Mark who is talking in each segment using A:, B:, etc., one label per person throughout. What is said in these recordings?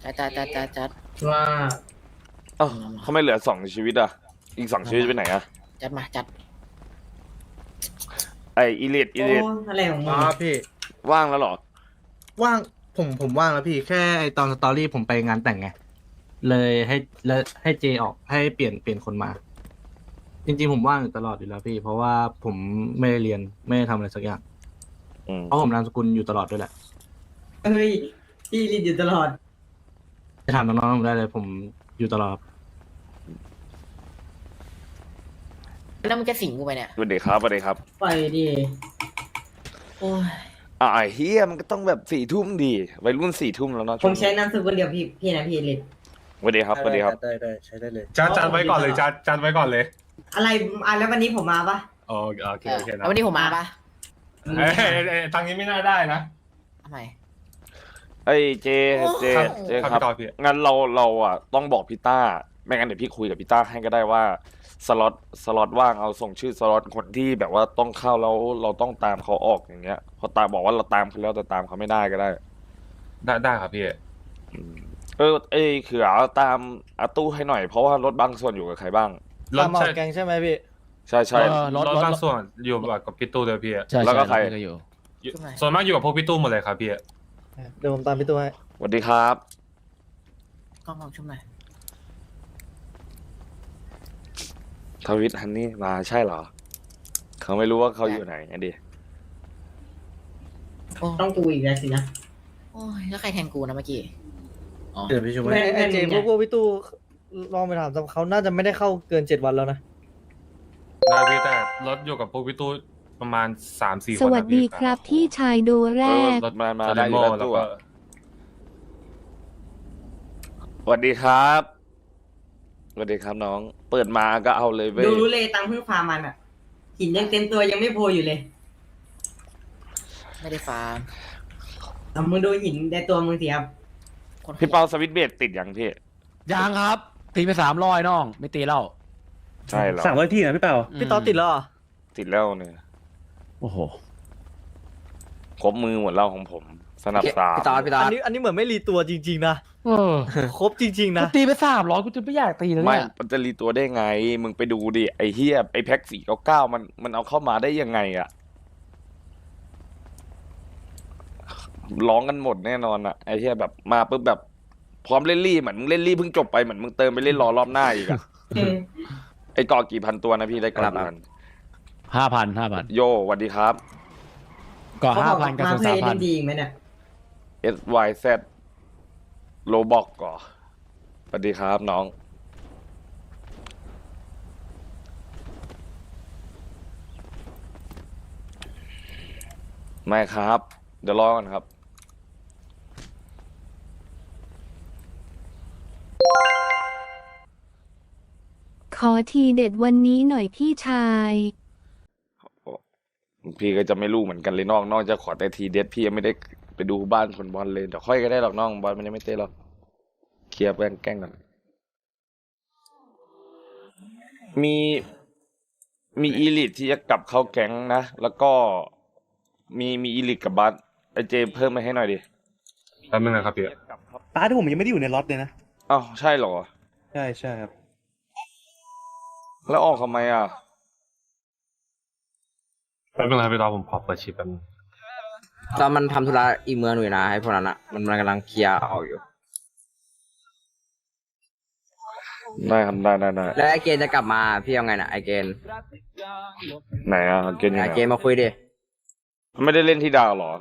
A: จัด
B: ว่า
C: เอ้าเขาไม่เหลือ2 ชีวิตอ่ะอีก2 ชีวิตไปไหนอ่ะ
A: จัดมาจัด
C: ไออีเลียด
B: โอ้อะไรของมึง
D: พี่
C: ว่างแล้วเหรอ
D: ว่างผมว่างแล้วพี่แค่ไอตอนสตอรี่ผมไปงานแต่งไงเลยให้เจออกให้เปลี่ยนคนมา จริงๆผมว่างอยู่ตลอดอยู่แล้วพี่ เพราะว่าผมไม่ได้เรียนไม่ได้ทำอะไรสักอย่าง เพราะผมนามสกุลอยู่ตลอดด้วยแหละ
B: เฮ้ยพี่รีดอยู่ตลอด
D: จะถามน้องๆผมได้เลยผมอยู่ตลอด
A: แล้วมึงจะสิงกูไปเนี่ย
C: สวัสดีครับสวัสดีครับ
B: ปล่อยดิ
A: โอ้ย
C: ไอ้เฮียมันก็ต้องแบบ4 ทุ่มดีวัยรุ่น4 ทุ่มแล้วเนาะ
B: ผมใช้นามสกุลเดียวพี่นะพี่รีด
C: สวัสดีครับสวัสดีครับ
D: ได้ใช้ได้เลย
E: จัดไว้ก่อนเลยจัดไว้ก่อนเลย
B: อะไรแล้ววันนี้ผมมาปะ
E: โอเคนะ
A: แล้ววันนี้ผมมาปะ
E: ทางนี้ไม่น่าได้นะ
A: ทำไม
C: ไอ้เจครับ
E: พี่ต่อพี่
C: งั้นเราอ่ะต้องบอกพี่ต้าไม่งั้นเดี๋ยวพี่คุยกับพี่ต้าให้ก็ได้ว่าสล็อตว่างเอาส่งชื่อสล็อตคนที่แบบว่าต้องเข้าแล้วเราต้องตามเขาออกอย่างเงี้ยพอตามบอกว่าเราตามเขาแล้วแต่ตามเขาไม่ได้ก็ได้
E: ได้ครับพี่
C: เขือตามอาตู้ให้หน่อยเพราะว่ารถบางส่วนอยู่กับใครบ้าง
E: รถ
D: ตามออกแกงใช่ไหมพี่
C: ใช่
E: รถบางส่วนอยู่กับพี่ตู้เลยพี่
C: แล้วก็ใคร
E: ส่วนมากอยู่กับพวกพี่ตู้หมดเลยครับพี่
D: เดี๋ยวผมตามพี่ตัวให้
C: สวัสดีครับ
A: กล้องลองชุบหน่อย
C: ทวิตฮันนี่มาใช่เหรอเขาไม่รู้ว่าเขาอยู่ไหนไงดิ
A: โอ้
B: ต้องกูอีกแล้วสินะ
A: โอ้ยแล้วใครแทงกูนะเมื่อกี้อ๋อ
D: เดี๋ยวพี่ช่วย
B: ไอ้เจมพวก
F: พี่ตู้ลองไปถามเขาน่าจะไม่ได้เข้าเกิน7 วันแล้วนะ
E: ได้พี่แต่รถอยู่กับพวกพี่ตู้ประมาณ3-4 คน
G: สวัสดีครับพี่ชายดูแรก
C: รถมา
E: ซา
C: ได้
E: ดิ
C: อ
E: โม
C: ยู่แล้ว
E: แล้ว
C: ตัว
E: ก็
C: สวัสดีครับสวัสดีครับน้อง เปิดมาก็เอาเลยเว้ย
B: ดูรู้เลยตังค์เพิ่งฟาร์มมันอ่ะหินยังเต็มตัวยังไม่โพอยู่เลย
A: ไม่ได้ฟาร์ม
B: มึงดูหินในตัวมึงสิครับ
A: คน
C: พี่เปาสวิตช์เบรติดยังพี่
H: ยังครับ ตีไป300น้อง ไม่ตีแล้ว
C: ใช่เหรอ
F: 300 ที่นะพี่เปาพี่ต๊อดติดแล้วเหรอ
C: ติดแล้วเนี่ย
H: โอ้โห
C: ครบมือหมดแล้วของผม สนับสาม
H: พี่ตอด
F: อันนี้เหมือนไม่รีตัวจริงๆนะ
H: เออ
F: ครบจริงๆนะ
H: ตีไป300กูจะไม่อยากตีแล้ว
C: ไม่
H: เนี่ย
C: มันจะรีตัวได้ไง มึงไปดูดิไอ้เฮียไอ้แพ็ก499มันเอาเข้ามาได้ยังไงอะร้องกันหมดแน่นอนอะไอ้เฮียแบบมาปุ๊บแบบพร้อมเล่นรี่เหมือนมึงเล่นรี่เพิ่งจบไปเหมือนมึงเติมไปเล่นรอรอบหน้าอีกอะ ไอ้กอกี่พันตัวนะพี่ได้กอกี่พัน
H: 5,000
C: โยสวัสดีครับ
H: ก็
B: เขาบอก
H: 5,000กับ
B: มาเพลย์เล่น
H: 3,000
B: ดีอีกไหมเนี่ย
C: SYZ โลบอกก่อสวัสดีครับน้อง ไม่ครับ เดี๋ยวรอก่อนครับ
G: ขอทีเด็ดวันนี้หน่อยพี่ชาย
C: พี่ก็จะไม่รู้เหมือนกันเลยน้องจะขอแต่ทีเด็ดพี่ยังไม่ได้ไปดูบ้านคนบอลเลยเดี๋ยวค่อยก็ได้หรอกน้องบอลมันยังไม่เตะหรอกเคลียร์แกล้งกันมีอีลิทที่จะกลับเข้าแก๊งนะแล้วก็มีอีลิทกับบัสไอเจเพิ่มมาให้หน่อยดิ
E: แป๊บนึงนะครับพี่
F: ป้าที่ผมยังไม่ได้อยู่ในล็อตเลยนะ
C: อ้าวใช่เหรอ
F: ใช่ครับ
C: แล้วออกทำไมอ่ะ
E: แป๊บนึงนะครับพี่ต่อผมขอเปิดชิปแป๊บนึง
I: ตอนมันทำธุระอีเมืองอยู่นะให้พวกนั้นอ่ะมันกำลังเคลียร์ออกอยู่
C: ได้ครับได้
I: แล้วไอเกณฑ์จะกลับมาพี่เอาไงน่ะไอเกณฑ์
C: ไหนอ่ะเกณฑ์ยัง
I: ไอ
C: ไง
I: เกณฑ์มาคุยดิ
C: ไม่ได้เล่นที่ดาวเหรอ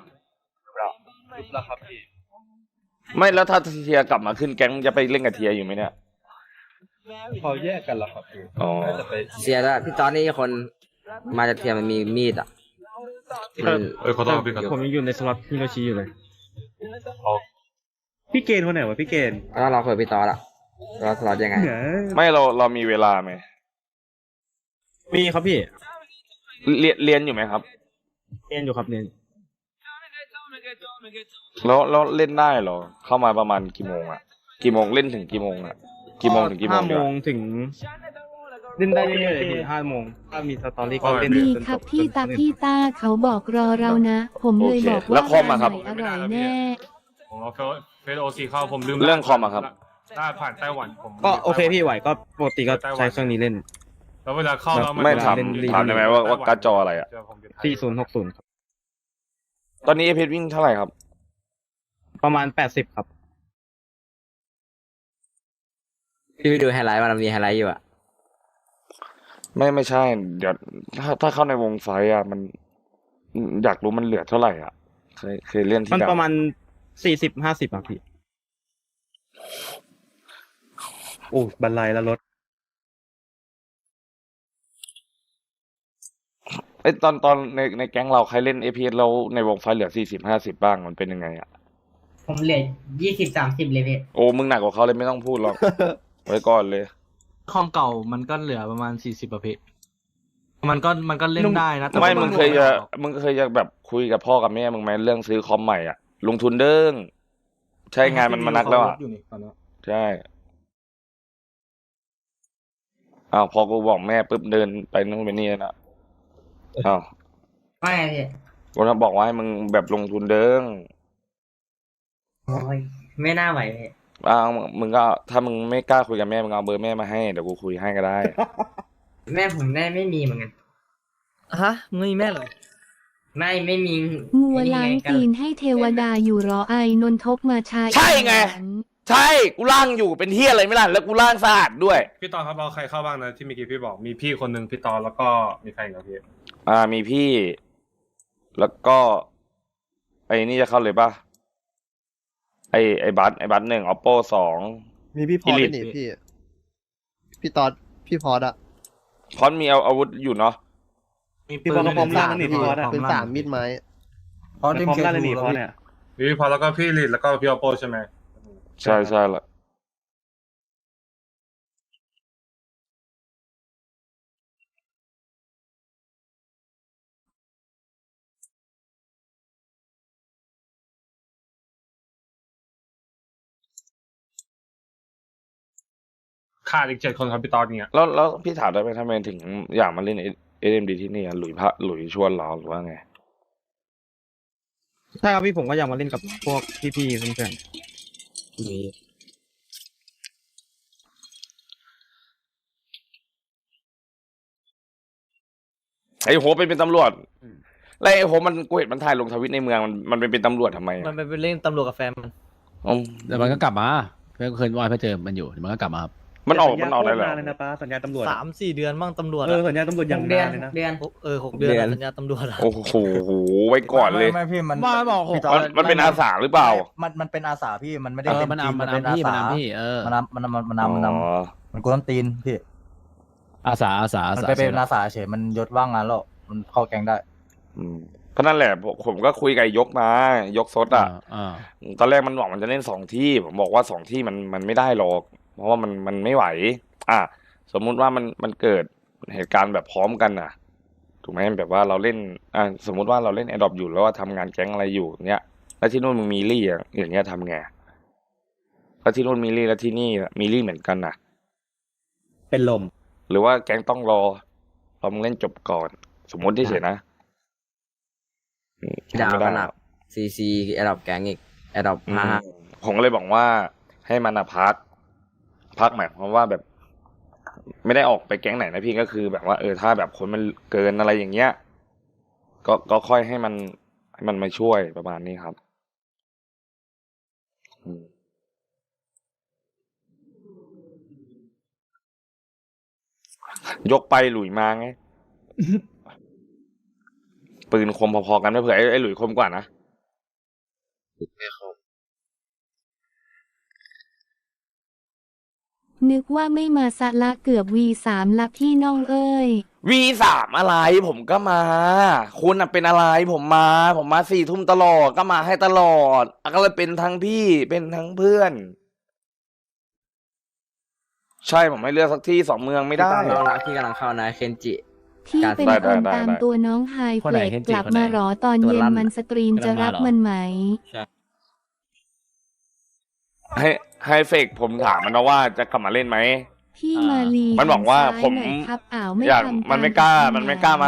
C: ไม่แล้วถ้าเทียกลับมาขึ้นแก๊งจะไปเล่นกับเทียอยู่ไหมเนี่ย
F: พอแยกกันแล้วครับพี่
C: อ๋อ
I: เสียแล้วพี่ตอนนี้คนมาจากเทียมมันมีมีดอ่ะมัน
E: ขอโทษพี่ขอโท
F: ผม
E: ษ
F: ยังอยู่ในสล็อตฮิโรชิอยู่เลย พี่เกณฑ์คนไหนวะพี่เกณฑ์
I: แล้วเราคุยกับพี่ตอนละเราสล็อตยังไง
C: ไม่เรามีเวลาไหม
F: มีครับพี่
C: เรียนอยู่ไหมครับ
F: เรียนอยู่ครับเรียน
C: แล้วเล่นได้เหรอเข้ามาประมาณกี่โมงอ่ะกี่โมงเล่นถึงกี่โมงอ่ะกี่โมงถึงกี่โมง
F: 5
C: เดี๋
F: โม
C: ยว
F: งถึงเล่นได้เรื่อยๆเลยพี่5 โมงถ้ามีสตอรี่ก็เล่น
G: ดี
F: จน
G: ครั
F: จ
G: บบ พี่ต้าเขาบอกรอเรานะ ผมเลยบอกว่าร้านไหนอร่อยแน่
E: ผมเอาเฟซโอซีเข้าผมลืม
C: เรื่องคอมอะครับ
E: ได้ผ่านไต้หวันผม
F: ก็โอเคพี่ไหวก็ปกติก็ใช้เครื่องนี้เล่น
E: แล้วเวลาเข้าแล้ว
C: ไม่ถาม
F: เล่น
C: ถามได้ไหมว่าการ์ดจออะไรอะ
F: 4060ครับ
C: ตอนนี้เพชรวิ่งเท่าไหร่ครับ
F: ประมาณ80ครับ
I: พี่ไปดูไฮไลท์มันมีไฮไลท์อยู่อะ
C: ไม่ใช่ เดี๋ยวถ้าเข้าในวงไฟอะมันอยากรู้มันเหลือเท่าไหร่อ่ะเคยเล่นที่
F: มัน
C: ดาว
F: ประมาณ40-50อ่ะพี่โอ้บันไลแล้วรถ
C: ไอ้ตอนในแก๊งเราใครเล่น APS แล้วในวงไฟเหลือ40-50บ้างมันเป็นยังไงอ่ะ
B: ผมเหลือ20-30เลยพี่
C: โอ้มึงหนักกว่าเขาเลยไม่ต้องพูดหรอก ไว้ก่อนเลย
D: คอมเก่ามันก็เหลือประมาณ40ประเภทมันก็เล่นได้นะแต่
C: ไม่
D: ว่า
C: มึงเคยจะแบบคุยกับพ่อกับแม่มึงไหมเรื่องซื้อคอมใหม่อ่ะลงทุนเด้งใช่งานมันมานักแล้วอ่ะ
D: อยู่นี่ตอนนี้
C: ใช่อ้าวพอกูบอกแม่ปุ๊บเดินไปนู่นไปนี่นะอ้าว
B: ว่าไงพี่
C: กูจะบอกว่าให้มึงแบบลงทุนเด้ง
B: โอ้ยไม่น่าไหวพี่
C: อ้าวมึงก็ถ้ามึงไม่กล้าคุยกับแม่มึงเอาเบอร์แม่มาให้เดี๋ยวกูคุยให้ก็ได้
B: แม่ผมได้ไม่มีเหมือนกัน
A: ฮะมึงมีแม่เลย
B: ไม่มี
G: งัวล้างตีนให้เทวดาอยู่รอไอนนทกมาชาย
C: ใช่ไง ใช่กูล่างอยู่เป็นเฮียอะไรไม่ล่ะแล้วกูล่างสะอาดด้วย
E: พี่ตอนครับเอาใครเข้าบ้างนะที่เมื่อกี้พี่บอกมีพี่คนหนึ่งพี่ตอนแล้วก็มีใครอีกครับพี่
C: มีพี่ แล้วก็ ไอ้นี่จะเข้าเลยป่ะไอ้บัต1 Oppo 2
J: มีพี่พอด
C: Elite
J: ด้วยนี่พี่ตอดพี่พอดอะ
C: พร้อมมีอาวุธอยู่เนาะ
D: มี
F: พี่บอลก็พร้อมล่างนั่นนี่พี่บอลอะ
J: เป็น3มิดไม้
F: พร้อมล่างนั่นนี่พอเนี่ย
E: มีพี่พอแล้วก็พี่ลิดแล้วก็พี่ออโปใช่ไหม
C: ใช่ละ
E: ขาดอีก7 คนครับพี่ตอนเนี่ย
C: แล้วพี่ถามได้ไหมทำไมถึงอยากมาเล่น SMD ที่นี่หลุยชวนเหรอหรือว่าไง
F: ใช่ครับพี่ผมก็อยากมาเล่นกับพวกพี่ๆเพื่อนๆนี่
C: ไอ้โหเป็นตำรวจแล้วไอ้โหมันกูเห็นมันถ่ายลงทวิตในเมืองมันเป็นตำรวจทำไม
A: มันไปเล่นตำรวจกับแฟนมัน
C: อ๋อ
H: แต่มันก็กลับมาเพื่อนเคยว่าเพื่อเจอมันอยู่เดี๋ยวมันก็กลับมาครับ
C: มันออกได้เหรอ
F: เลยนะป้าสัญญาตำรวจ
A: 3-4 เดือนมั่งตำรวจ
F: สัญญาตำรวจอย่าง
B: เดือน
F: นานเลยนะ
B: เดือน
A: 6 เดือนอะสัญญาตำรวจอะ
C: โอ้โหไว้ก่อนเลย
K: ไม่พี่มัน
H: บ้าบอก
K: พี่
C: มันเป็นอาสาหรือเปล่า
K: มันเป็นอาสาพี่มันไม่ได้
H: เออ
K: เป็น
H: มัน
K: จริง
H: นำมัน
K: เป็น
H: นำพี่
K: อา
H: มัน
K: สาน
H: ำพี่
K: มันนำมันกวนตีนพี่
H: อาสา
K: มันไปเป็นอาสาเฉยมันยศว่างงานแล้วมันเข้าแกงได้
C: ก็นั่นแหละผมก็คุยกับยกมายกซดอ่ะ ตอนแรกมันบอกมันจะเล่น2 ที่ผมบอกว่า2 ที่มันไม่ได้หรอก เพราะว่ามันไม่ไหว สมมุติว่ามันเกิดเหตุการณ์แบบพร้อมกันน่ะ ถูกไหมแบบว่าเราเล่นสมมุติว่าเราเล่นแอดดอปอยู่แล้วว่าทำงานแก๊งอะไรอยู่เนี้ยแล้วที่นู่นมึงมีลี่อย่างเงี้ยทำไงแล้วที่นู่นมีลี่แล้วที่นี่มีลี่เหมือนกันน่ะ
F: เป็นลม
C: หรือว่าแก๊งต้องรอมึงเล่นจบก่อน สมมติที่เฉยนะ
I: ดาว
C: ไม่
I: ข
C: ได้
I: นาดCC แอดดอปแก๊งอีกแอดดอป
C: ผมก็เลยบอกว่าให้มันพักหมายความว่าแบบไม่ได้ออกไปแก๊งไหนนะพี่ก็คือแบบว่าถ้าแบบคนมันเกินอะไรอย่างเงี้ยก็ค่อยให้มันมาช่วยประมาณนี้ครับยกไปหลุยมาไง ปืนคมพอๆกันไม่เผื่อไอ้หลุยคมกว่านะ
G: นึกว่าไม่มาซะละเกือบ V3 ละพี่น้องเอ้ย
C: V3 อะไรผมก็มา คุณเป็นอะไรผมมา4 ทุ่มตลอดก็มาให้ตลอดก็เลยเป็นทั้งพี่เป็นทั้งเพื่อน ใช่ผมไม่เลือกสักที่2 เมืองไม่ได้
I: น้องรักที่กำลังเข้านะเคนจิ
G: พี่เป็นคนตามตัวน้องไฮเฟลกกลับมาหรอตอนเย็นมันสตรีมจะรับมันไหม
C: ให้เฟกผมถามมันนะว่าจะกลับมาเล่นไหม
G: พี่มาลี
C: มันบอกว่าผม
G: หน่อยครับอ้าวไม่
C: อยาก
G: ทำ
C: มันไม่กล้า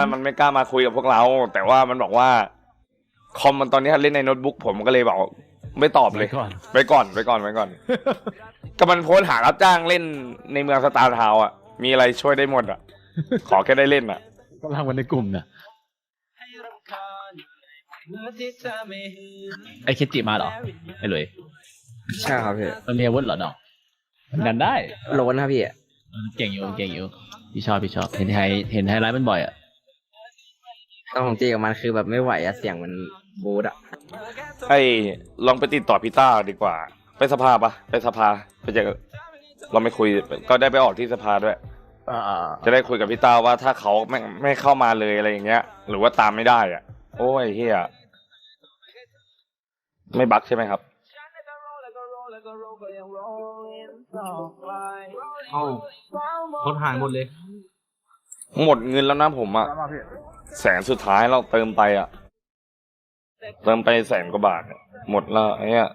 C: มาคุยกับพวกเรา แต่ว่ามันบอกว่าคอมมันตอนนี้เล่นในโน้ตบุ๊กผมก็เลยบอกไม่ตอบเลย
H: ก่อน
C: ไปก่อนก็มันโพสต์หารับจ้างเล่นในเมืองสตาร์ทาวน์อ่ะมีอะไรช่วยได้หมดอ่ะ ขอแค่ได้เล่นอ่ะ
H: ก็ลากมันในกลุ่มเนี่ยไอเคจิมาเหรอไอหลุย
I: ใช่ครับพี่
H: มันมีอาวุธเหรอน้องมันดันได้
I: โลนครับพี่
H: เก่งอยู่พี่ชอบเห็นไฮไลท์มันบ่อยอ่ะ
I: ต้องของจีกับมันคือแบบไม่ไหวอะเสียงมันบูดอะ
C: ลองไปติดต่อพี่ต้าดีกว่า ไปสภาปะไปสภาไปเจอเราไม่คุยก็ได้ไปออกที่สภาด้วยจะได้คุยกับพี่ต้าว่าถ้าเขาไม่เข้ามาเลยอะไรอย่างเงี้ย หรือว่าตามไม่ได้อ่ะ โอ้ยเฮียไม่บั๊กใช่ไหมครับ
D: เอ้ารถหายหมดเลย
C: หมดเงินแล้วนะผมอ่ะแสนสุดท้ายเราเติมไปอ่ะเติมไป100,000 กว่าบาทหมดแล้วไอ้เนี้ย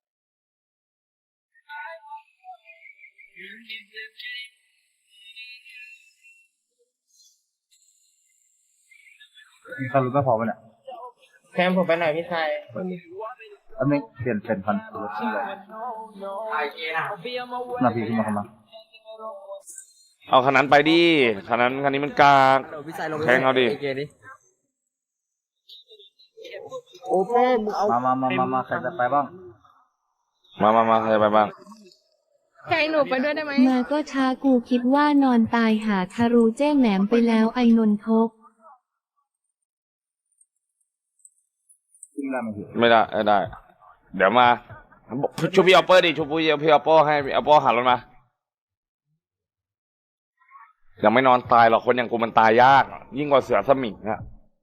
K: มีใครรู้ไม่พอป่ะเนี่ย
B: แคมผมไปไหนพี่ชาย
K: แล้วไม่เปลี่ยนพันรถเลย
B: ไอเจน่ะ
K: นาทีขึ้นมาเข้ามา
C: เอาคันนั้นไปดิคันนี้มันกาก
I: พี่ชายลง
C: แทงเอาดิ
B: โอ้พ่อมึงเอา
K: มาใครจะไปบ้าง
C: มาใครไปบ้าง
G: แทงหนูไปด้วยได้ไหมมาก็ช้ากูคิดว่านอนตายหาคารูแจ้งแหนมไปแล้วไอนนทก
K: ขึ้นได้ไหมพี่
C: ไม่ได้ เดี๋ยวมาชูพี่ออปเปอร์ดิชูพี่ออปเปอร์ให้พี่ออปเปอร์หารถมายังไม่นอนตายหรอกคนอย่างกูมันตายยากยิ่งกว่าเสือสมิงอะ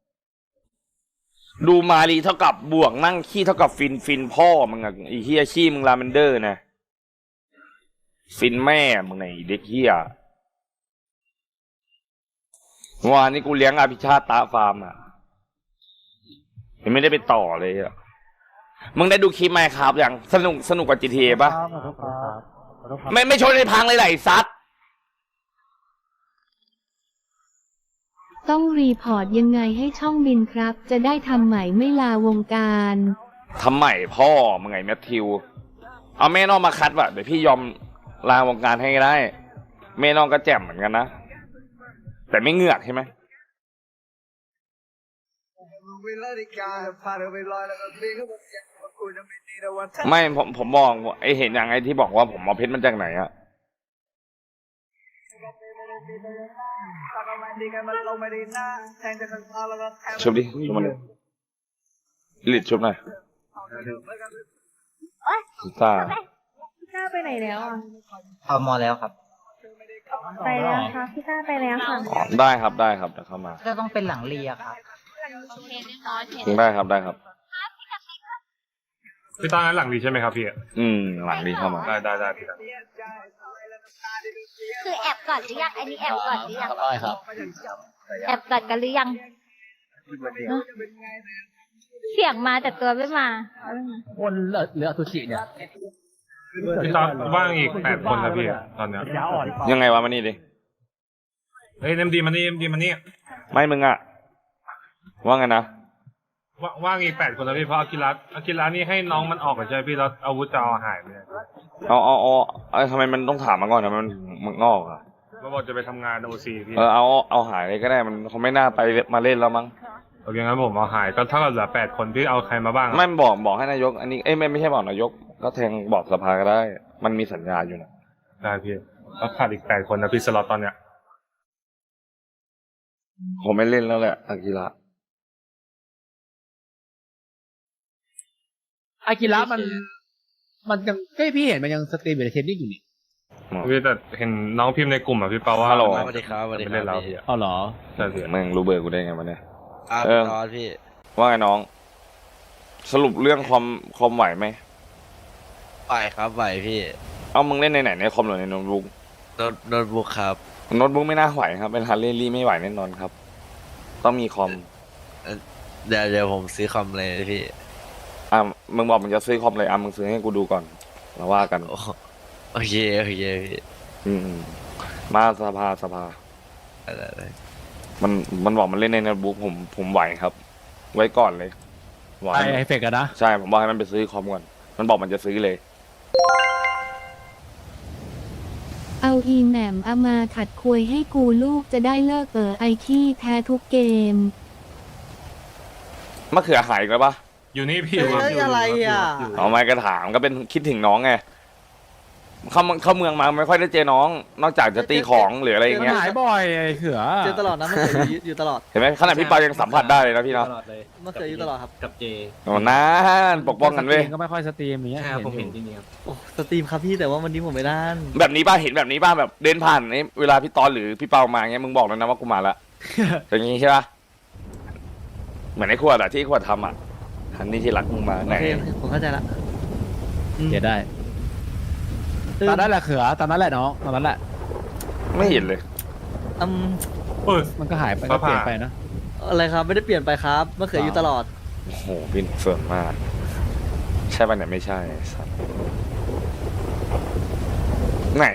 C: ดูมารีเท่ากับบวกนั่งขี้เท่ากับฟินพ่อมึงอะไอเฮียขี้มึงลาเมนเดอร์นะฟินแม่มึงไอเด็กเฮียวันนี้กูเลี้ยงอภิชาติตาฟาร์มอะยังไม่ได้ไปต่อเลยอะมึงได้ดูคลิปไหมครับอย่างสนุกกว่า GTA ป่ะไม่ชนในพังเลยไหลซัด
G: ต้องรีพอร์ตยังไงให้ช่องบินครับ จะได้ทำใหม่ไม่ลาวงการ
C: ทำใหม่พ่อมึงไงแมทธิวเอาแม่น้องมาคัดว่ะเดี๋ยวพี่ยอมลาวงการให้ก็ได้แม่น้องก็แจ่มเหมือนกันนะแต่ไม่เหงือกใช่ไหมไม่ผมบอกไอเห็นอย่างไอที่บอกว่าผมเอาเพชรมันจากไหนอะชุบดิชุบมันเลยลิดชุบหน่อยพี่ต้า
G: พี่ต้าไปไหนแล้วอ่ะ
K: เข้ามอแล้วครับ
G: ไปแล้วค่ะพี่ต้าไปแล้วค่ะ
C: ได้ครับเดี๋ยวเข้ามา
K: ก็ต้องเป็นหลังเรียครับ
C: ได้ครับ
E: พี่ตอนนั้นหลังดีใช่ไหมครับพี่
C: หลังดีเข้ามา
E: ได้พี่
G: คือแอบก่อนหรือยังอันนี้แอบก่อนหรือยัง
H: ได้ครับ
G: แอบก่อนกันหรือยังเสียงมาแต่ตัวไม่มา
H: วนเหลืออสุจิเนี่ย
E: พี่ตอนว่างอีก8 คนนะพี่ตอนเนี้ย
C: ยังไงวะมานี่ดิ
E: เฮ้ยเอ็มดีมานี่
C: ไม่มึงอะว่าไงนะ
E: ว่างอีก8 คนนะพี่เพราะอากิระนี่ให้น้องมันออกก่อนใช่ไหมพี่แล้วอาวุธจะเอาหายไปเลย
C: เอาทำไมมันต้องถามมาก่อนนะมันงอกอะ
E: ก็บอกจะไปทำงานโอซีพี่
C: เอาหายเลยก็ได้มันเขาไม่น่าไปมาเล่นแล้วมั้ง
E: โอเคงั้นผมเอาหายก็เท่ากับเหลือ8 คนพี่เอาใครมาบ้าง
C: ไม่บอกให้นายก อันนี้ไม่ใช่บอกนายกก็แทงบอกสภาก็ได้ มันมีสัญญาอยู่นะ
E: ได้พี่แล้วขาดอีก8 คนนะพี่สล็อตตอนเนี้ย
C: ผมไม่เล่นแล้วแหละอากิระ
H: อากิระมันยังพี่เห็นมันยังสตรีมอยู่ในเทปนี้อยู่นี่
E: พี่แต่เห็นน้องพิมพ์ในกลุ่มอ่ะพี่เปาว่า
C: ฮัลโหล
I: สวัสดีครับสวัสดี
E: ไม่
I: ครั
E: เล่นแล้ว
I: บ
E: พี่
H: อ๋อเหรอ
E: ใช่พี่
C: มึงรู้เบอร์กูได้ไงวะเนี่ย
I: พี่ตอนพี่
C: ว่าไงน้อง สรุปเรื่องคอมไหวไหม
I: ไหวครับไหวพี่
C: เอามึงเล่นในไหนในคอมหรือในโน้ตบุ๊ก
I: โน้ตบุ๊กครับ
C: โน้ตบุ๊กไม่น่าไหวครับเป็นฮาร์เรลี่ไม่ไหวแน่นอนครับ ต้องมีคอม
I: เดี๋ยวผมซื้อคอมเลยพี่
C: มึงบอกมึงจะซื้อคอมเลยมึงซื้อให้กูดูก่อนแล้วว่ากัน
I: โอเคพี่
C: มาสภา
I: ได้
C: มันบอกมันเล่นในโน้ตบุ๊กผมไหวครับ ไว้ก่อนเลยไหว
H: ไอเฟกอะนะ
C: ใช่ผมบอกให้มันไปซื้อคอมก่อนมันบอกมันจะซื้อเลย
G: เอาอีแหม่มเอามาขัดควยให้กูลูกจะได้เลิกไอขี้แท้ทุกเกม
C: มะเขือหายอีกแล้วปะ
E: อยู่นี่พี่
J: เอ้ยอะไรอ่ะ
C: เอาไม่ก็ถามก็เป็นคิดถึงน้องไงเข้าเมืองมาไม่ค่อยได้เจอน้อง นอกจากจะตีของหรืออะไรอย่างเงี้ย
H: หายบ่อยไอ้เขือ
J: เจอตลอดนะมันเขืออยู่ตลอด
C: เห็นไหมขนาดพี่เปายังสัมผัสได้เลยนะพี่เนาะ
D: ตลอดเลย
J: มันเขืออยู่ตลอดครับ
D: กับเจ
C: โอ้นั่นปกป้องกันเว้ย
H: ก็ไม่ค่อยสตรีมอย่างเงี้ย
D: ใช่ครับผมเห็นจริงๆครับ
J: โอ้สตรีมครับพี่แต่ว่าวันนี้ผมไม่ได้
C: แบบนี้ป่ะเห็นแบบนี้ป่ะแบบเดินผ่านนี่เวลาพี่ตอนหรือพี่เปามาเงี้ยมึงบอกแล้วนะว่ากูมาละ อย่างงี้ใช่ปะเหมือนไอ้ขวดอะที่ขวดทำอะอันนี้ที่รักมึงมา
J: โอ
C: ไหน
J: เคผมเข้าใจละ
H: เดี๋ยวได้ตอนนั้นแหละเขือตอนนั้นแหละน้องตอนนั้นแหละ
C: ไม่เห็นเลย
J: อืม
E: เปิด
H: มันก็หายไปก็เปลี่ยนไปนะ
J: อะไรครับไม่ได้เปลี่ยนไปครับมะเขืออยู่ตลอด
C: โอ้โหพี่ส่วนมาก ใช่ป่ะเนี่ยไม่ใช่สัตว์ไหน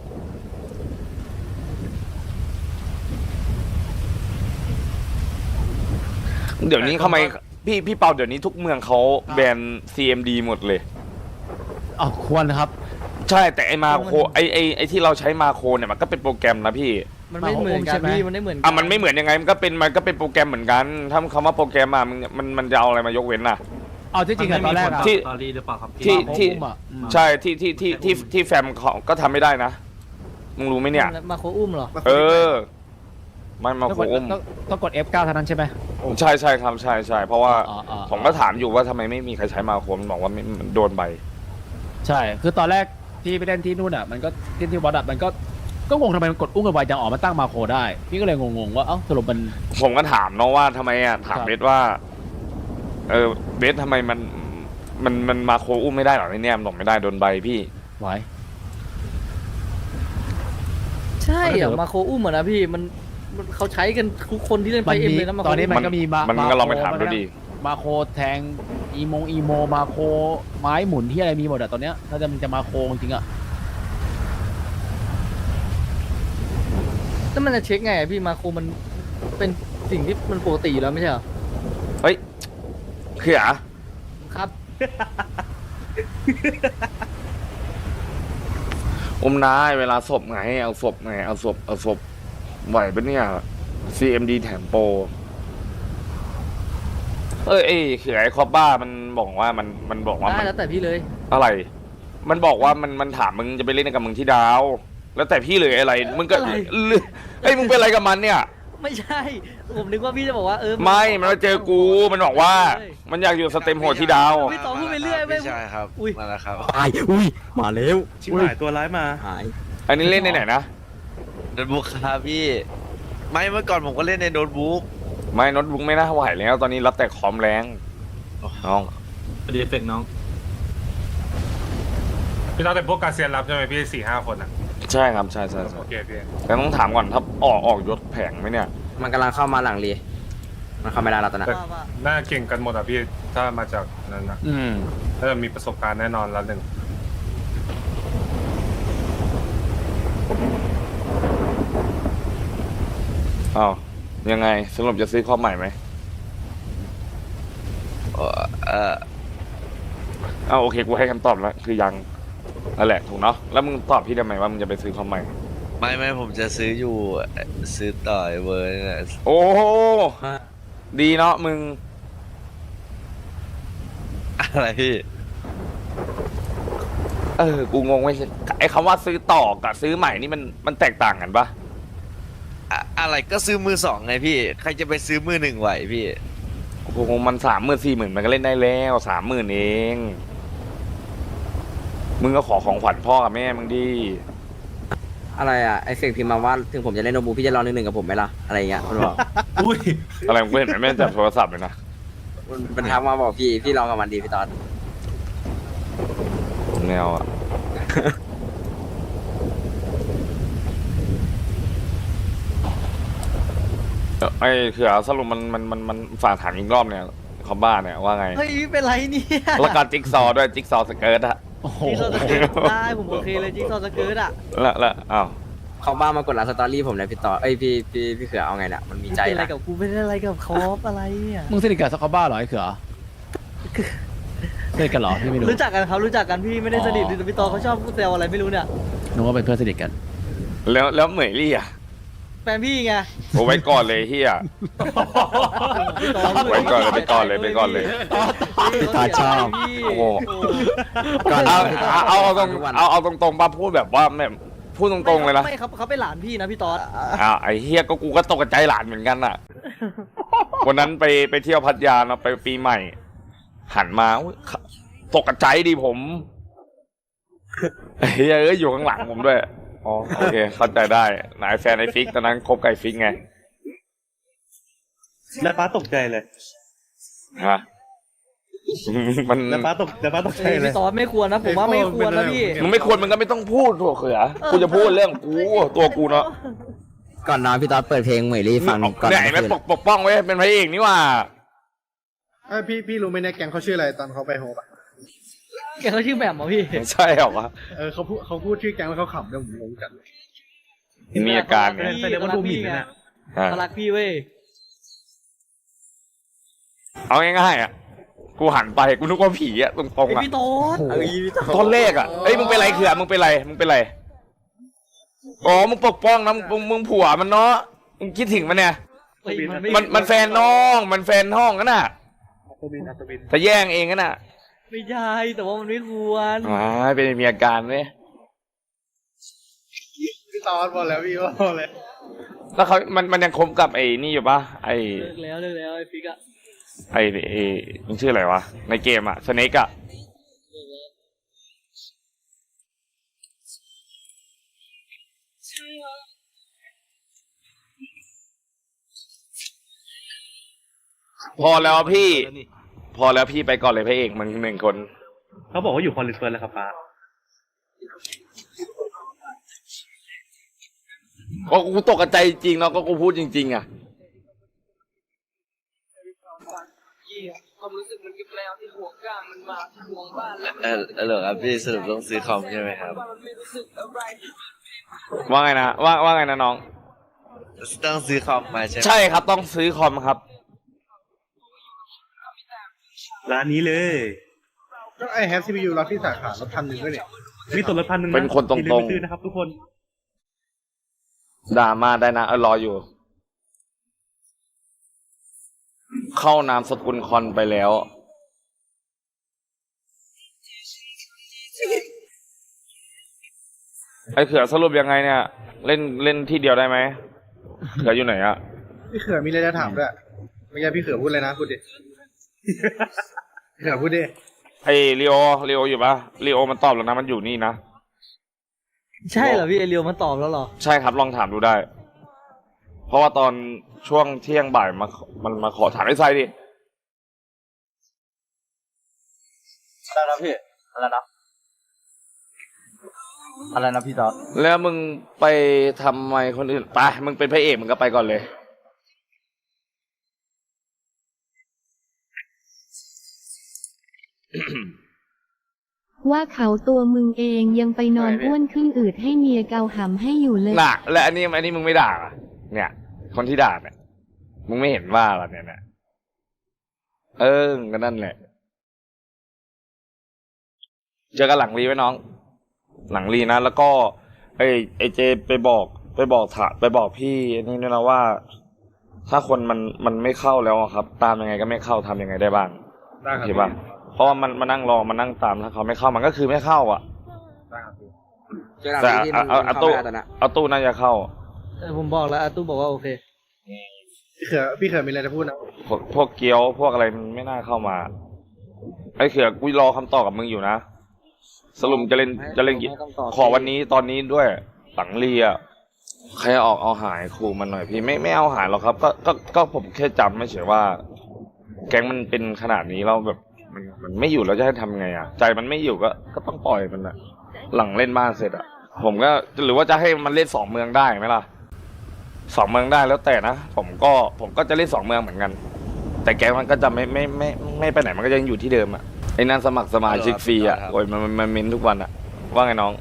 C: เดี๋ยวนี้ทำไมพี่เปาเดี๋ยวนี้ทุกเมืองเขาแบน CMD หมดเลย
H: อ๋อควรนะครับ
C: ใช่แต่ไอมาโคไอที่เราใช้มาโคเนี่ยมันก็เป็นโปรแกรมนะพี่
J: มันไม่เหมือนกันพี่มันไม่เหมือนกั
C: อ่ะมันไม่เหมือนยังไงมันก็เป็นโปรแกรมเหมือนกันถ้าคำว่าโปรแกรมอ่ะมันจะเอาอะไรมายกเว้นน่ะ
H: เอาที่จริงอะตอนแรกอะ
C: ที่
D: สตอรี่หรือเปล่าครับ
C: ที่
H: มาโคอุ้มอะอืม
C: ใช่ที่แฟมเขาก็ทำไม่ได้นะมึงรู้ไหมเนี่ย
J: มาโคอุ้มเหรอ
C: เออมันมาโคอุ้ม
H: ต้องกด F9 เท่านั้นใช่ไหม
C: ใช่ครับใช่เพราะว่า
H: อ๋อ
C: ผมก็ถามอยู่ว่าทำไมไม่มีใครใช้มาโคมันบอกว่ามันโดนใบ
H: ใช่ คือตอนแรกที่ไปเล่นที่นู่นอ่ะ มันก็ที่วัดอ่ะมันก็งงทำไมมันกดอุ้งกันไวจังออกมาตั้งมาโคได้ พี่ก็เลยงงๆว่าเอ้าสรุปมัน
C: ผมก็ถามน้องว่าทำไมอ่ะถาม
H: ครับ
C: เบสว่าเบสทำไมมันมาโคอุ้มไม่ได้หรอเนี่ยมันบอกไม่ได้โดนใบพี่
H: ไหว
J: ใช่เหรอมาโคอุ้มเหรอนะพี่มันเขาใช้กันทุกคนที่เล่นไฟเอ็มเลยนะมาโค
H: ตอนนี้มันก็มีมา
C: มันก็ลองไปถามดูดิ
H: มาโคแทงอีโมมาโคไม้หมุนที่อะไรมีหมดอะตอนเนี้ยถ้ามันจะมาโคจริงๆอะ
J: แล้วมันจะเช็คไงอะพี่มาโคมันเป็นสิ่งที่มันปกติอยู่แล้วไม่ใช่เหรอ
C: เฮ้ยเขือ
J: ครับ
C: อมนายเวลาศพไงเอาศพไหวปะเนี่ย CMD แถมโปรเอ้ยเขือไอ้คอบบ้ามันบอกว่ามันบอกว่า
J: ได้แล้วแต่พี่เลย
C: อะไร มันบอกว่ามันถามมึงจะไปเล่นกับมึงที่ดาว แล้วแต่พี่เลยอะไรมึงก็
J: อะไร
C: เฮ้ยมึงเป็นอะไรกับมันเนี่ย
J: ไม่ใช่ ผมนึกว่าพี่จะบอกว่า
C: ไม่มันมาเจอกูมันบอกว่า มันอยากอยู่สเต็มโหดที่ดาว
J: พี่ต่อพูดไปเรื่อยไม่ใช่ครับอุ้ย
I: มาแล้วครับ
K: มาแล้ว
F: ชิบหายตัวร้ายมา
K: หาย
C: อันนี้เล่นในไหนนะ
I: โน้ตบุ๊กครับพี่ ไม่เมื่อก่อนผมก็เล่นในโน้ตบุ๊ก
C: ไม่โน้ตบุ๊กไม่น่าไหวแล้ว ตอนนี้รับแต่คอมแรงน้อง
D: ดีเฟกน้อง
E: พี่ต้องเป็นพวกกาเซียนรับใช่ไหมพี่4-5 คนอ่ะ
C: ใช่ครับใช่
E: โอเคพี่
C: แต่ต้องถามก่อนถ้าออกยศแผงไหมเนี่ย
I: มันกำลังเข้ามาหลังรีมันเข้าไม่ได้แล้วตอนนั้น
E: แต่น่าเก่งกันหมดอ่ะพี่ถ้ามาจากนั้นนะ
C: อืม
E: ถ้าจะมีประสบการณ์แน่นอนแล้วหนึ่ง
C: อ้าวยังไงสรุปจะซื้อคอมใหม่ไหมอ้าวโอเคกูให้คำตอบแล้วคือยังนั่นแหละถูกเนาะแล้วมึงตอบพี่ได้ไหมว่ามึงจะไปซื้อคอมใหม่
I: ไม่ผมจะซื้ออยู่ซื้อต่อยเวอร์นี่แหละ
C: โอ้ดีเนาะมึง
I: อะไรพี่
C: กูงงไว้ไอ้คำว่าซื้อต่อกับซื้อใหม่นี่มันแตกต่างกันปะ
I: อะไรก็ซื้อมือสองไงพี่ ใครจะไปซื้อมือหนึ่งไหวพี่
C: กูงงมัน30,000 40,000มันก็เล่นได้แล้ว30,000เองมึงก็ขอของขวัญพ่อกับแม่มึงดิ
I: อะไรอ่ะไอเฟกพิมพ์มาว่าถึงผมจะเล่นโน้ตบุ๊กพี่จะรอ1-1กับผมไหมล่ะอะไรเงี้ยมันบอก
E: อุ้ย
C: อะไรมึงเห็นไหมแม่จับโทรศัพท์เลยนะ
I: มันทักมาบอกพี่ลองกับมันดีพี่ตอน
C: แนวอ่ะ ไอ้เขือสรุปมันฝากถามอีกรอบเนี่ยเขาบ้าเนี่ยว่าไง
J: เฮ้ยเป็นไรเนี่ย
C: แล้วการจิ๊กซอว์ด้วยจิ๊กซอว์สเกิร์ตอะ
H: โอ้โห
J: จิ๊กซอว์สเกิร์ตได้ผมโอเคเลยจิ๊กซอว์สเกิร์ตอ่ะ
C: แล้วอ้าว
I: เขาบ้ามากดไลค์สตอรี่ผมเลยพี่ต่อเอ้ยพี่เขือเอาไงเนี่ยมันมีใจ
J: เป็นอะไร
I: นะ
J: กับกูเป็นอะไรกับคอปอะไรเนี่ย
H: มึงสนิทกับสกอบ้าเหรอไอ้เขือเล่นกันเหรอพี่ไม่รู้
J: รู้จักกันครับรู้จักกันพี่ไม่ได้สนิทแต่พี่ตอเขาชอบแซวอะไรไม่รู้เนี่ย
H: นึกว่าเป็นเพื่อนสนิทกัน
C: แล้วเหมยลี่อ่ะ
J: แฟนพี่ไง
C: โอ้ไว้ก่อนเลยเฮีย
J: พี่ตอ
C: ไว้ก่อนเลยไปก่อนเลยไปก่อนเลย
J: พี่ตอชอบ
C: โอ้โห เอาตรงเอาตรงๆป่ะพูดแบบว่าแบบพูดตรงๆเลยนะ
J: ไม่ครับเขาเป็นหลานพี่นะพี่ตอ
C: ไอ้เฮียก็กูก็ตกใจหลานเหมือนกันอ่ะ วันนั้นไปเที่ยวพัทยาเนาะไปปีใหม่ หันมาอุ๊ยตกใจดิผมเฮ้ยอยู่ข้างหลังผมด้วยอ๋อโอเคเข้าใจได้นายแฟนไอ้ฟิกตอนนั้นคบกับไอ้ฟิกไง
F: แล้วป้าตกใจเลย
C: ฮะมัน
F: แล้วป้าตกใจเลย
J: พี่ตอไม่ควรนะผมว่าไม่ควรนะพี่
C: มึงไม่ควรมึงก็ไม่ต้องพูดถั่วเขือกูจะพูดเรื่องกูตัวกูเนาะ
I: ก่อนนอนพี่ตอดเปิดเพลงเหมยลี่ฟังก่อน
C: ไหนไม่ปกป้องไว้เป็นพระเอกนี่ว่า
F: พี่รู้ไหมเนี่ยแกงเขาชื่ออะไรตอนเขาไปโฮปอ่ะ
J: แกเขาชื่อแบบเหรอพี่
C: ใช่เหรอวะ
F: เขาพูดชื่อแกงแล้วเขาขำด้วยผมงงจัด
C: มีอาการไง
F: แสดงว่าดูหมิ่นนะ
J: เขารักพี่เว้ย
C: เอาง่ายๆอ่ะกูหันไปกูนึกว่าผีอ่ะตรงๆอ่ะ
J: พี่ตอด
C: ตอนแรกอ่ะเอ้ยมึงเป็นไรเขือมึงเป็นไรอ๋อมึงปกป้องนะมึงผัวมันเนาะมึงคิดถึงมันเนี่ยมันแฟนน้องมันแฟนห้องกันน่ะจะแย่งเองกันน่ะ
J: ไม่ใช่แต่ว่ามันไม่ควร
C: เป็นมีอาการไหม
F: พี่ตอนบอกแล้วพี่บอกเลย
C: แล้วเขามันยังคบกับไอ้นี่อยู่ปะไอ้
J: เลิกแล้วไอ้ฟิกอะ
C: ไอ้มันชื่ออะไรวะในเกมอะสเนกอะพอแล้วพี่ไปก่อนเลยพระเอกมันหนึ่งคน
F: เขาบอกว่าอยู่คอนลิสเฟิร์นแล้วครับป้า
C: ก็กูตกใจจริงเนาะก็กูพูดจริงๆอะ
J: ความรู้สึกมันกับแล้วที่ห่วงก้ามันมาห่วงบ้านแล้ว
K: เหรอครับพี่สรุปต้องซื้อคอมใช่ไหมครับ
C: ว่าไงนะว่าไงนะน้อง
K: ต้องซื้อคอมมาใช่ไหม
C: ใช่ครับต้องซื้อคอมครับ
F: ร้านนี้เลย
E: ก็ไอแฮปซีพียูรับที่สาขาลด1,000ด้วยเนี่ย
F: มีส่วนลด1,000
C: เป็นคนตรงๆ
F: อย่าลืมไปซื้อนะครับทุกคน
C: ด่ามาได้นะรออยู่ เข้านามสกุลคอนไปแล้วไอ้เขือสรุปยังไงเนี่ย เล่นที่เดียวได้ไหมเขืออยู่ไหนอะ
E: พี่เขือมีอะไรจะถามด้วยเมื่อกี้พี่เขือพูดเลยนะพูดดิเขือพูดดิ
C: ไอ้ลีโออยู่ปะลีโอมันตอบแล้วนะมันอยู่นี่นะ
J: ใช่เหรอพี่ไอเรียวมันตอบแล้วเหรอ
C: ใช่ครับลองถามดูได้ เพราะว่าตอนช่วงเที่ยงบ่ายมันมาขอถามไอ้ไซดิ
K: อะไรนะพี่อะไรนะพี่ตอด
C: แล้วมึงไปทำไมคนอื่นไปมึงเป็นพระเอกมึงก็ไปก่อนเลย
G: ว่าเขาตัวมึงเองยังไปนอนอ้วนขึ้นอืดให้เมียเกาหำให้อยู่เลย
C: น่ะและอันนี้มึงไม่ด่าอะเนี่ย คนที่ด่าเนี่ยมึงไม่เห็นว่าหรอเนี่ยก็นั่นแหละเจอกันหลังรีไว้น้อง หลังรีนะแล้วก็ไอ้เจไปบอกพี่นี่ด้วยนะว่า ถ้าคนมันไม่เข้าแล้วอะครับ ตามยังไงก็ไม่เข้าทำยังไงได้บ้าง
E: ได้ครับ
C: เห็นปะเพราะว่ามันมานั่งรอมานั่งตามถ้าเขาไม่เข้ามันก็คือไม่เข้าอ่ะ
E: ได้ครับพี่
I: เจอหลัง
C: แต่
I: ที่มัน
C: เอา
I: เข้า
C: ตู้
I: ไม่ได้ตอนนั้น
C: เอาตู้น่าจะเข้า
J: ผมบอกแล้วอาตู้บอกว่าโอเค
E: พี่เขือมีอะไรจะพูดนะ
C: พวกเกี๊ยวพวกอะไรมันไม่น่าเข้ามาไอ้เขือกูรอคำตอบกับมึงอยู่นะสรุปจะเล่นกี่ขอวันนี้ตอนนี้ด้วยหลังเรียใครออกเอาหายครูมันหน่อยพี่ไม่เอาหายหรอกครับก็ผมแค่จำไม่เฉยว่า แก๊งมันเป็นขนาดนี้เราแบบมันไม่อยู่แล้วจะให้ทำไงอ่ะใจมันไม่อยู่ก็ต้องปล่อยมันอะหลังเล่นบ้านเสร็จอ่ะผมก็หรือว่าจะให้มันเล่น2 เมืองได้ไหมล่ะ2 เมืองได้แล้วแต่นะผมก็จะเล่น2 เมืองเหมือนกัน แต่แก๊งมันก็จะไม่ไปไหนมันก็ยังอยู่ที่เดิมอ่ะไอ้นั่นสมัครสมาชิกฟรีอ่ะโอ้ยมันเม้นทุกวันอ่ะว่าไงน้อง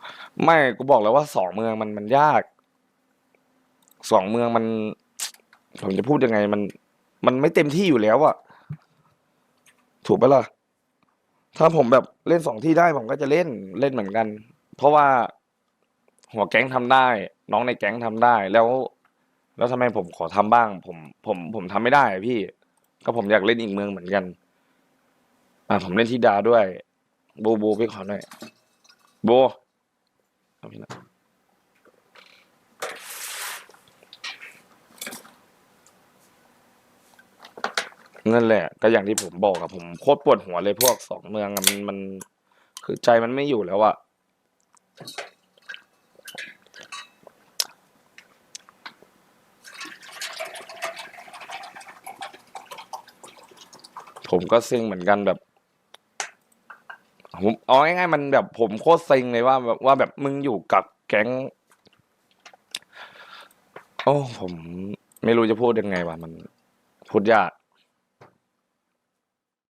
C: ไม่กูบอกแล้วว่า2 เมืองมันยาก2 เมืองผมจะพูดยังไงมันไม่เต็มที่อยู่แล้วอะถูกปะล่ะถ้าผมแบบเล่น2 ที่ได้ผมก็จะเล่นเหมือนกัน เพราะว่าหัวแก๊งทำได้ น้องในแก๊งทำได้แล้วทำไมผมขอทำบ้าง ผมทำไม่ได้อะพี่ ก็ผมอยากเล่นอีกเมืองเหมือนกันผมเล่นที่ดาด้วยโบพี่ขอหน่อยโบเอาพี่นะนั่นแหละ ก็อย่างที่ผมบอกอะผมโคตรปวดหัวเลยพวก2 เมืองอะมันคือใจมันไม่อยู่แล้วอะผมก็เซ็งเหมือนกันแบบผมเอาง่ายๆมันแบบผมโคตรเซ็งเลยว่าแบบมึงอยู่กับแก๊งโอ้ผมไม่รู้จะพูดยังไงวะมันพูดยาก